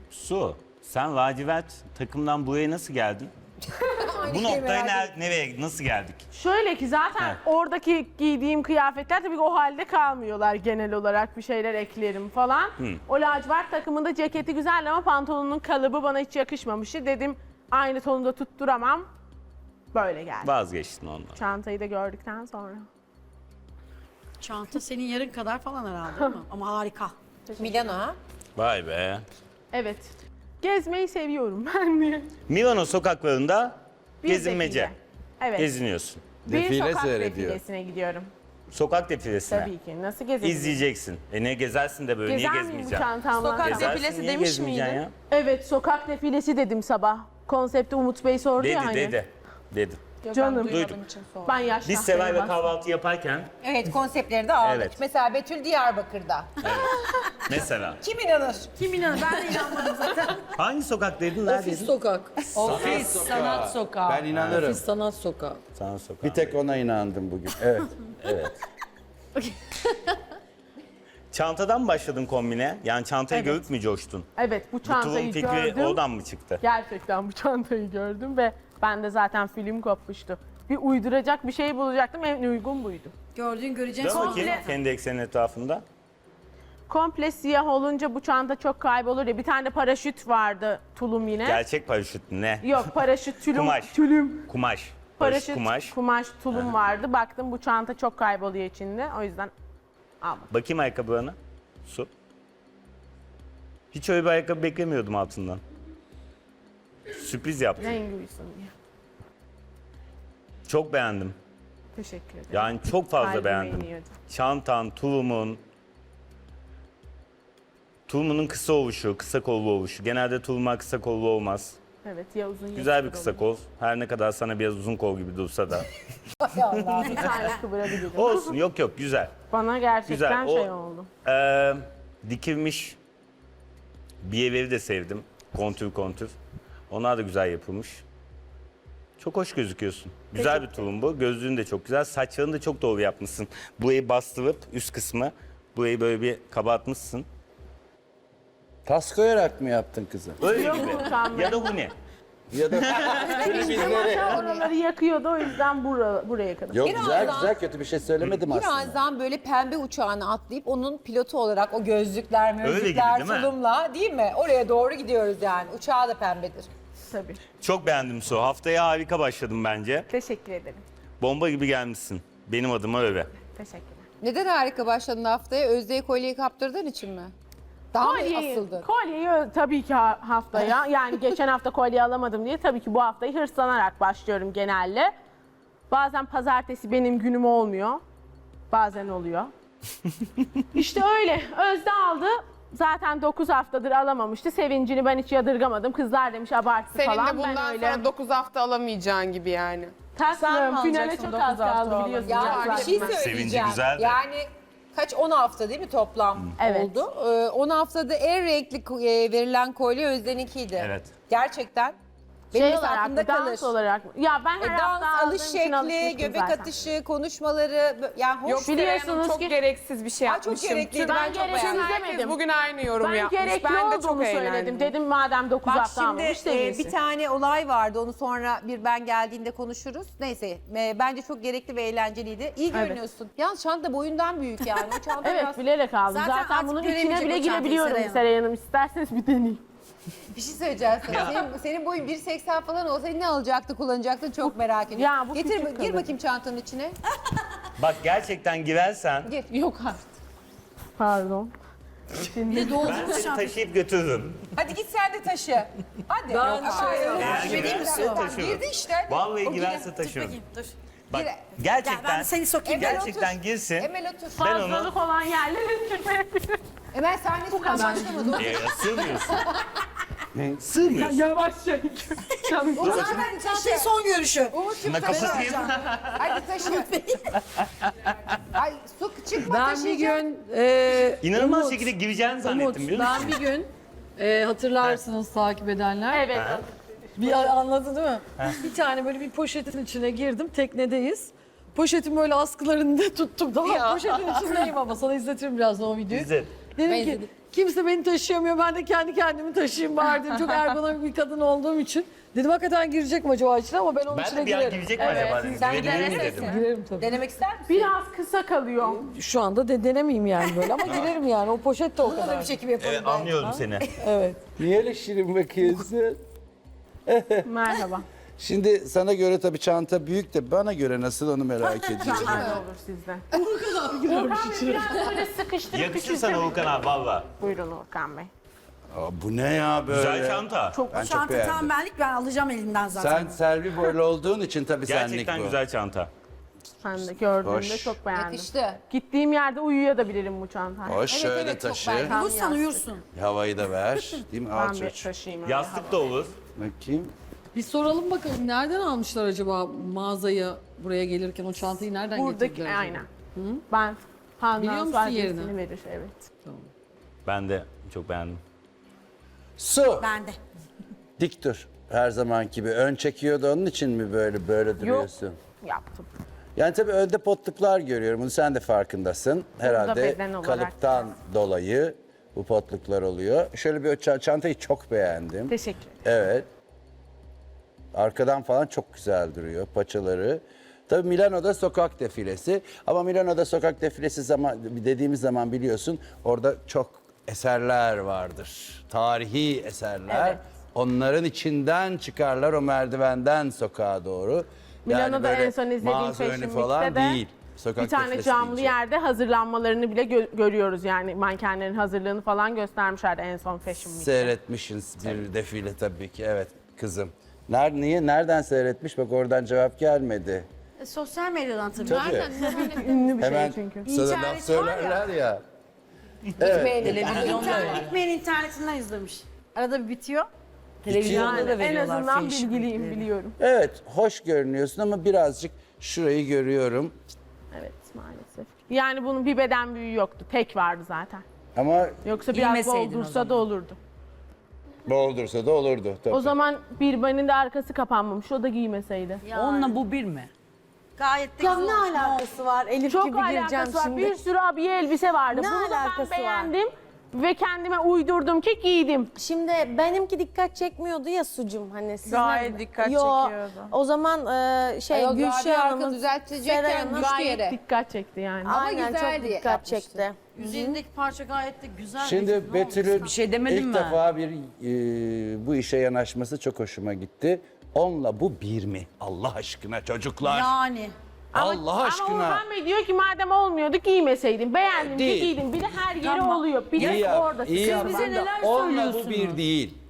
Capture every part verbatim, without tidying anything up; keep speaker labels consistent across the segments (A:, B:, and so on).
A: Su, sen lacivert takımdan buraya nasıl geldin? Bu noktaya ne- nereye, nasıl geldik?
B: Şöyle ki zaten
A: Evet.
B: oradaki giydiğim kıyafetler tabii ki o halde kalmıyorlar genel olarak, bir şeyler eklerim falan. O lacivert takımında ceketi güzel ama pantolonun kalıbı bana hiç yakışmamıştı. Dedim aynı tonda tutturamam. Böyle geldi.
A: Vazgeçtin ondan.
B: Çantayı da gördükten sonra.
C: Çanta senin yarın kadar falan herhalde değil mi? Ama harika.
D: Milano ha?
A: Vay be.
B: Evet. Gezmeyi seviyorum ben de.
A: Milano sokaklarında
B: Bir
A: gezinmece.
B: defile. Evet.
A: Geziniyorsun.
B: Bir
E: Defile
B: sokak
E: seyrediyor.
B: defilesine gidiyorum.
A: Sokak defilesine.
B: Tabii ki. Nasıl gezebilirim?
A: İzleyeceksin. E ne gezersin de böyle,
B: Gezer
A: niye
B: miyim bu
A: gezmeyeceksin?
B: çantamla?
D: Sokak
A: Gezersin,
D: defilesi
A: niye
D: demiş
A: gezmeyeceksin
D: miydin?
A: ya?
B: Evet, sokak defilesi dedim sabah. Konsepti Umut Bey sordu
A: Dedi,
B: ya hani.
A: dedi. Dedi.
B: Canım.
A: Duydum.
B: Ben yaşlı.
A: Biz Sevay'la kahvaltı yaparken
D: Evet, konseptleri de aldık.
A: Evet.
D: Mesela Betül Diyarbakır'da.
A: mesela.
D: Kim inanır?
C: Kim inanır? Ben de inanmadım zaten.
A: Hangi sokak dedin? Neredeydin?
F: Sokak. Ofis sanat sokağı.
E: Ben inanırım.
F: Ofis sanat sokağı.
A: Sana sokak.
E: Bir tek ona inandım bugün. Evet.
A: Çantadan mı başladın kombine? Yani çantayı
B: Evet.
A: görüp mü coştun?
B: Evet, bu
A: Bu tulum
B: çantayı
A: fikri
B: gördüm.
A: oradan mı çıktı?
B: Gerçekten bu çantayı gördüm ve ben de zaten film kopmuştu. Bir uyduracak bir şey bulacaktım, en uygun buydu.
C: Gördüğün göreceğin
A: Dön
C: son
A: bakayım kendi eksenin etrafında.
B: Komple siyah olunca bu çanta çok kaybolur ya. Bir tane paraşüt vardı, tulum yine.
A: Gerçek paraşüt ne?
B: Yok, paraşüt tülüm.
A: Kumaş.
B: Tülüm.
A: Kumaş. Paraşüt
B: Paraşüt,
A: kumaş.
B: kumaş, tulum vardı. Baktım bu çanta çok kayboluyor içinde. O yüzden almadım.
A: Bakayım ayakkabılarına. Su. Hiç öyle bir ayakkabı beklemiyordum altından. Sürpriz yaptın.
B: Rengi uysun diye.
A: Çok beğendim.
B: Teşekkür ederim.
A: Yani çok fazla
B: Kalbime
A: beğendim.
B: iniyordu.
A: Çantan, tulumun. Tulumunun kısa oluşu, kısa kollu oluşu. Genelde tulumlar kısa kollu olmaz.
B: Evet, ya uzun ya
A: Güzel bir
B: kısa
A: kısa
B: olur.
A: kol. Her ne kadar sana biraz uzun kol gibi dursa da.
B: Bir tane kıvırabilirim.
A: Olsun, yok yok, güzel.
B: Bana gerçekten
A: Güzel, o-
B: şey oldu.
A: Ee, dikilmiş biyeleri de sevdim. Kontür kontür. Onlar da güzel yapılmış. Çok hoş gözüküyorsun. Güzel bir tulum bu. Gözlüğün de çok güzel. Saçlarını da çok doğru yapmışsın. Burayı bastırıp üst kısmı burayı böyle bir kabartmışsın.
E: Tas koyarak mı yaptın kızı?
A: Öyle
B: Yok,
A: gibi.
B: utanma.
A: Ya da bu ne?
E: Ya da
B: Masa oraları yakıyordu, o yüzden bura, buraya kadar.
E: Yok
D: Birazdan-
E: güzel güzel kötü bir şey söylemedim aslında.
D: Birazdan böyle pembe uçağına atlayıp onun pilotu olarak o gözlükler,
A: Öyle gibi,
D: mözlükler,
A: değil mi?
D: tulumla değil mi? Oraya doğru gidiyoruz yani. Uçağı da pembedir.
B: Tabii.
A: Çok beğendim Su. Haftaya harika başladım bence.
B: Teşekkür ederim.
A: Bomba gibi gelmişsin. Benim adıma öyle.
B: Teşekkürler.
D: Neden harika başladın haftaya? Özde'ye kolyeyi kaptırdığın için mi? Daha mı
B: Kolyeyi,
D: asıldın?
B: kolyeyi ö- tabii ki ha- haftaya, yani geçen hafta kolye alamadım diye tabii ki bu haftayı hırslanarak başlıyorum genelde. Bazen pazartesi benim günüm olmuyor. Bazen oluyor. İşte öyle. Özde aldı. Zaten dokuz haftadır alamamıştı. Sevincini ben hiç yadırgamadım. Kızlar demiş abarttı
G: Senin
B: falan.
G: de bundan
B: ben öyle.
G: sonra dokuz hafta alamayacağın gibi yani.
B: Tatlım, finale çok az kaldı biliyorsun.
D: Ya
B: canım.
D: bir şey
A: Sevinci
D: söyleyeceğim.
A: güzel de.
D: Yani kaç on hafta değil mi toplam
B: Evet.
D: oldu? Ee, on haftada en renkli ko- e, verilen kolye Özden'inkiydi.
A: Evet.
D: Gerçekten. Benim
B: Şey
D: mesela
B: olarak
D: aklımda
B: mı, dans
D: kalır.
B: olarak mı? Ya ben
D: E,
B: her
D: dans,
B: hafta aldığım
D: alış
B: için
D: şekli,
B: alışmıştım
D: göbek
B: zaten.
D: atışı, konuşmaları bö- yani hoş.
G: Yok
B: biliyorsunuz
G: biliyorsunuz çok
B: ki-
G: gereksiz bir şey
D: Ay, çok
G: yapmışım.
D: gerekliydi,
G: Tüm-
D: ben
B: Ben
D: çok
B: gereksiz
D: beğendim.
G: Herkes
B: demedim.
G: bugün aynı yorum
B: Ben
G: yapmış.
B: gerekli
G: Ben de çok
B: olduğunu söyledim.
G: eğlendim.
B: Dedim madem dokuz
D: Bak
B: hafta
D: şimdi
B: almamış
D: e,
B: sevinsin.
D: bir tane olay vardı, onu sonra bir ben geldiğinde konuşuruz. Neyse e, bence çok gerekli ve eğlenceliydi. İyi
B: Evet.
D: görünüyorsun. Yalnız çanta boyundan büyük yani. O çanta
B: Evet
D: biraz...
B: bilerek aldım.
C: Zaten
B: Zaten,
C: artık
B: bunun içine
C: göremeyecek
B: bile
C: o çantayı
B: girebiliyorum
C: Seray Hanım.
B: Seray Hanım. İsterseniz bir deneyeyim.
D: Bir şey söyleyeceğim sana. Senin, senin boyun bir seksen falan olsa ne alacaktı, kullanacaktı çok merak ediyorum.
B: Ya bu
D: Getir,
B: küçük
D: gir
B: kalır.
D: bakayım çantanın içine.
A: Bak gerçekten girersen
D: Gir.
B: Yok artık. Pardon. Şimdi
A: ben seni taşıyıp götürürüm.
D: Hadi git sen de taşı. Hadi.
F: Ben
D: Yok,
F: şöyle-
D: hayır.
A: Eğer
D: Girdi
A: girerse
D: mi?
A: taşırım.
D: Girdi işte.
A: Vallahi
D: O
A: girerse
D: girer.
A: taşırım.
C: Bakayım dur.
A: Bak
D: Gel,
A: gerçekten
C: ben seni sokayım.
D: Emel
A: gerçekten
D: otur.
A: girsin.
D: Emel otur.
A: Ben onu
B: fazlalık olan yerlere girmeyebilirim.
D: Emel sahnesinden başlamadı.
A: e, sığmıyorsun. Sığmıyorsun.
B: Yavaşça. Canım.
D: O zaman hadi taşı.
C: Çantayı son görüşü.
D: Umut'cum
A: Şuna
D: taşı.
A: kapatayım.
D: Hadi taşı. Ay su çıkma
F: Ben bir
D: taşıyacağım.
F: gün e,
A: İnanılmaz
F: Umut,
A: şekilde gireceğini
F: Umut,
A: zannettim biliyor musun?
F: ben bir gün e, hatırlarsınız takip edenler.
B: Evet.
F: Bir anladı değil mi? Bir tane böyle bir poşetin içine girdim. Teknedeyiz. Poşetin böyle askılarını da tuttum. Daha poşetin içindeyim ama sana izletirim birazdan o videoyu.
A: Bize.
F: Dedim
D: Benzedi.
F: ki kimse beni taşıyamıyor, ben de kendi kendimi taşıyayım bari dedim. Çok ergonomik bir kadın olduğum için. Dedim hakikaten girecek mi acaba içine ama ben onun
A: Ben
F: içine
A: de bir an
F: girerim.
A: girecek mi acaba dedim.
D: Sen
A: Girebilir mi
D: denesesin.
A: dedim.
F: Girerim tabii.
D: Denemek ister misin?
B: Biraz kısa kalıyor.
F: Şu anda de denemeyeyim yani böyle ama girerim yani. O poşet de o
C: Burada da
F: kadar.
C: bir çekim yapalım.
A: Evet anlıyorum seni.
F: Evet.
E: Niye öyle şirin bakıyorsun?
B: Merhaba.
E: Şimdi sana göre tabii çanta büyük de bana göre nasıl onu merak ediyorum.
B: Hadi olur sizden. Urkan Bey biraz böyle sıkıştırıp
A: Yakışır sana
B: küçültelim.
A: Volkan abi valla.
B: Buyurun Urkan Bey.
E: Aa, bu ne ya böyle?
A: Güzel çanta.
B: Çok
E: Ben çok
C: Çanta
E: beğendim.
C: tam benlik, ben alacağım elimden zaten.
E: Sen Selvi boylu olduğun için tabii senlik
A: Gerçekten
E: bu.
A: güzel çanta.
B: sen de gördüğümde
E: Hoş.
B: çok beğendim.
D: Yakıştı.
B: Gittiğim yerde uyuyabilirim bu çantayla.
E: Hoş şöyle
D: evet, çok
E: taşı.
D: beğendim.
C: Uyursan uyursun.
E: Havayı da ver. Değil mi? Al
B: Ben bir
E: çocuğum.
B: taşıyayım. öyle
A: Yastık da olur.
E: Bakayım.
F: Bir soralım bakalım nereden almışlar acaba mağazayı buraya gelirken o çantayı nereden
B: Buradaki
F: getirdiler acaba?
B: aynen. Ben
F: Biliyor
B: Handan
F: musun
B: adresini
F: yerini?
B: verir evet.
A: Ben de çok beğendim.
E: Su.
C: Ben de.
E: Dik dur. Her zamanki gibi. Ön çekiyordu onun için mi böyle böyle duruyorsun?
B: Yaptım.
E: Yani tabii önde potluklar görüyorum. Bunu sen de farkındasın. Herhalde
B: beden olarak
E: kalıptan dolayı bu potluklar oluyor. Şöyle bir ça- çantayı çok beğendim.
B: Teşekkür ederim.
E: Evet. Arkadan falan çok güzel duruyor paçaları. Tabii Milano'da sokak defilesi. Ama Milano'da sokak defilesi zaman dediğimiz zaman biliyorsun orada çok eserler vardır. Tarihi eserler.
B: Evet.
E: Onların içinden çıkarlar o merdivenden sokağa doğru.
B: Milano'da
E: böyle
B: en son izlediğim
E: mağaza önü
B: Fashion
E: falan
B: Week'te de
E: değil. Sokak
B: bir tane
E: defilesi
B: camlı
E: deyince.
B: yerde hazırlanmalarını bile gö- görüyoruz yani mankenlerin hazırlığını falan göstermişlerdi en son Fashion Week'te.
E: Seyretmişsiniz bir defile tabii ki. Evet kızım. Ner niye? Nereden seyretmiş? Bak oradan cevap gelmedi.
C: E, sosyal medyadan tabii.
E: Tabii.
B: Ünlü bir
E: Hemen
B: şey çünkü.
E: sana
C: İnternet
E: laf
C: var
E: söylerler ya.
C: İnternet gitmeyen internetinden izlemiş. Arada bir bitiyor.
F: Televizyonda da
B: En
F: veriyorlar.
B: azından
F: fashion
B: bilgiliyim
F: week'leri.
B: biliyorum.
E: Evet, hoş görünüyorsun ama birazcık şurayı görüyorum.
B: Evet maalesef. Yani bunun bir beden büyüğü yoktu. Tek vardı zaten.
E: Ama
B: Yoksa biraz
F: Giymeseydin o
B: boldursa
F: zaman.
B: da olurdu.
E: boğuldursa da olurdu tabii.
B: O zaman bir benin de arkası kapanmamış. O da giymeseydi.
H: Onunla bu bir mi?
C: Gayet de
I: Ya
C: güzel
I: ne
C: olmuş.
I: alakası var Elif
B: Çok
I: gibi gireceğim
B: alakası var.
I: şimdi.
B: Bir sürü abiye elbise vardı.
I: Ne
B: Bunu da ben
I: alakası var?
B: beğendim ve kendime uydurdum ki giydim.
I: Şimdi benimki dikkat çekmiyordu ya sucum hani sizin.
G: Gayet dikkat
I: Yo,
G: çekiyordu.
I: O zaman e, şey
D: Ayol, Gabi
I: Gülşah
D: arka
I: Hanım,
D: düzeltecekken
I: Seray Hanım
D: düştü yere.
B: Dikkat çekti yani.
I: aynen
D: güzel
I: çok
D: diye
I: dikkat
D: yapmıştı.
I: çekti.
C: Üzerindeki parça gayet de güzel.
E: Şimdi
C: Ne olmuş?
E: Betül'ün
H: Bir şey demedim
E: ilk
H: ben.
E: defa bir e, bu işe yanaşması çok hoşuma gitti. Onunla bu bir mi? Allah aşkına çocuklar.
C: Yani.
E: Allah aşkına.
B: Ama Orhan Bey diyor ki madem olmuyordu giymeseydin. Beğendim
E: Değil.
B: ki giydim. Bir de her yeri
E: Tamam.
B: oluyor. Bir
E: İyi
B: de
E: yap,
B: orada.
E: iyi
B: sıkıntı
E: yap.
B: var.
C: bize neler
E: Onunla bu
C: söylüyorsunuz?
E: bir değil.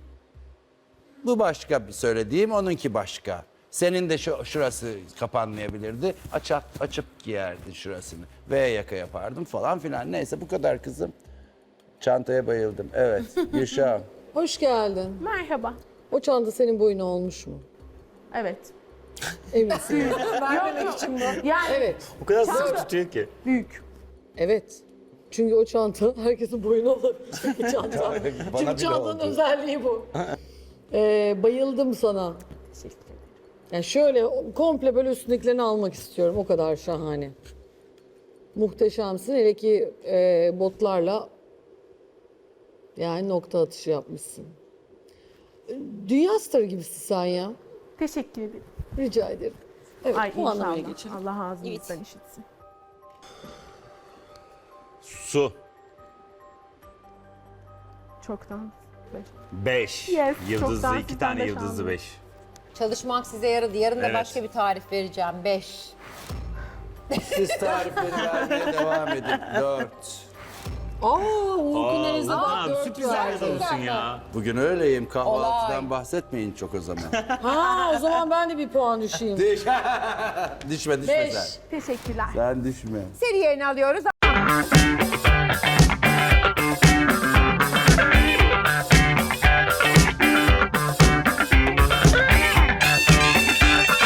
E: Bu başka bir söylediğim, onunki başka. Senin de şu, şurası kapanmayabilirdi. Açıp, açıp giyerdin şurasını. V yaka yapardım falan filan. Neyse bu kadar kızım. Çantaya bayıldım. Evet Gülşah.
F: Hoş geldin.
B: Merhaba.
F: O çanta senin boyuna olmuş mu?
B: Evet.
F: Eminsin.
B: Vermemek için mi? Yani
F: Evet.
A: O kadar sıkı tutuyor ki.
B: büyük.
F: Evet. Çünkü o çanta herkesin boyuna olabilecek bir çanta.
E: Bana
F: Çünkü
E: bile
F: çantanın
E: oldu.
F: özelliği bu. Ee, bayıldım sana. Yani şöyle komple böyle üstündekilerini almak istiyorum. O kadar şahane. Muhteşemsin. Hele ki e, botlarla yani nokta atışı yapmışsın. Dünya starı gibisin sen ya.
B: Teşekkür ederim.
F: Rica ederim. Evet,
B: Ay
F: puanlamaya
B: inşallah.
F: geçelim.
B: Allah ağzınızdan işitsin.
A: Su.
B: Çoktan. Beş.
A: Beş.
B: Yes,
A: Yıldızlı
B: çoktan
A: iki
B: sizden
A: tane
B: beş
A: yıldızlı
B: aldım.
A: beş.
D: Çalışmak size yaradı. Yarın da
A: Evet.
D: başka bir tarif vereceğim. Beş.
E: Siz tarifleri vermeye devam edin. Dört.
F: Aa, Uğur'un
A: Aa,
F: elinizde
A: Volkan
F: bak
A: abi
F: dört
A: sürprizler
F: var.
A: olsun ya.
E: Bugün öyleyim. Kahvaltıdan
D: Olay.
E: bahsetmeyin çok o zaman.
F: Ha, o zaman ben de bir puan düşeyim.
E: Düş. düşme düşme
F: Beş.
E: sen.
B: Teşekkürler.
E: Sen düşme.
D: Seri yerini alıyoruz.